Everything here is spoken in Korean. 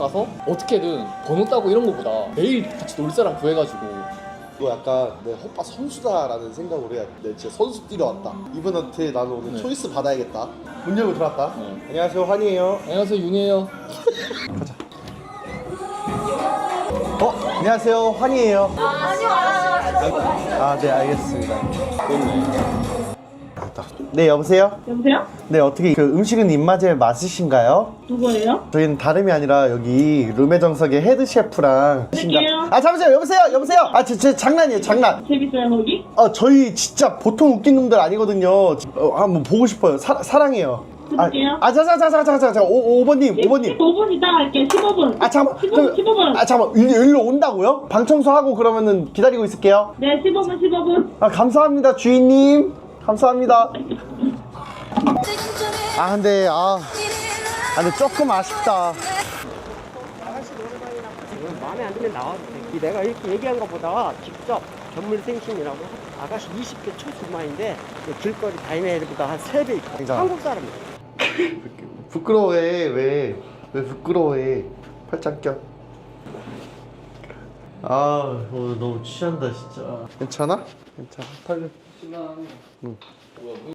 가서 어떻게든 번호 따고 이런 거보다 매일 같이 놀 사람 구해가지고 너 약간 내 오빠 선수다라는 생각으로 해야 돼. 내 진짜 선수 뛰러 왔다. 이분한테 나는 오늘 네. 초이스 받아야겠다. 문 열고 들어왔다. 네. 안녕하세요, 환희예요. 안녕하세요, 윤이에요. 가자. 안녕하세요, 환희예요. 아, 네, 알겠습니다. 네, 여보세요? 여보세요? 네, 어떻게 그 음식은 입맛에 맞으신가요? 누구예요? 저희는 다름이 아니라 여기 룸의 정석의 헤드 셰프랑 드릴게요. 아, 잠시만요. 여보세요. 아, 저 장난이에요, 장난. 재밌어요 거기? 저희 진짜 보통 웃긴 놈들 아니거든요. 한번 보고 싶어요. 사랑해요. 드릴게요. 자자자자자자 5번님 15분 이따 갈게. 15분. 아, 잠깐만. 15분. 아, 잠깐만. 일로 온다고요? 방 청소하고 그러면은 기다리고 있을게요. 네 15분. 아, 감사합니다, 주인님. 감사합니다. 아, 근데 근데 조금 아쉽다. 아가씨 노래방이라고 지금 마음에 안 들면 나와도 돼. 내가 이렇게 얘기한 것보다 직접 전물생심이라고 아가씨 20대 초중반인데 길거리 다이내리보다 한 3배 있고 굉장히. 한국 사람이야. 부끄러워해. 왜 부끄러워해. 팔짱 껴. 오늘 너무 취한다 진짜. 괜찮아? 털려. 신랑. 응.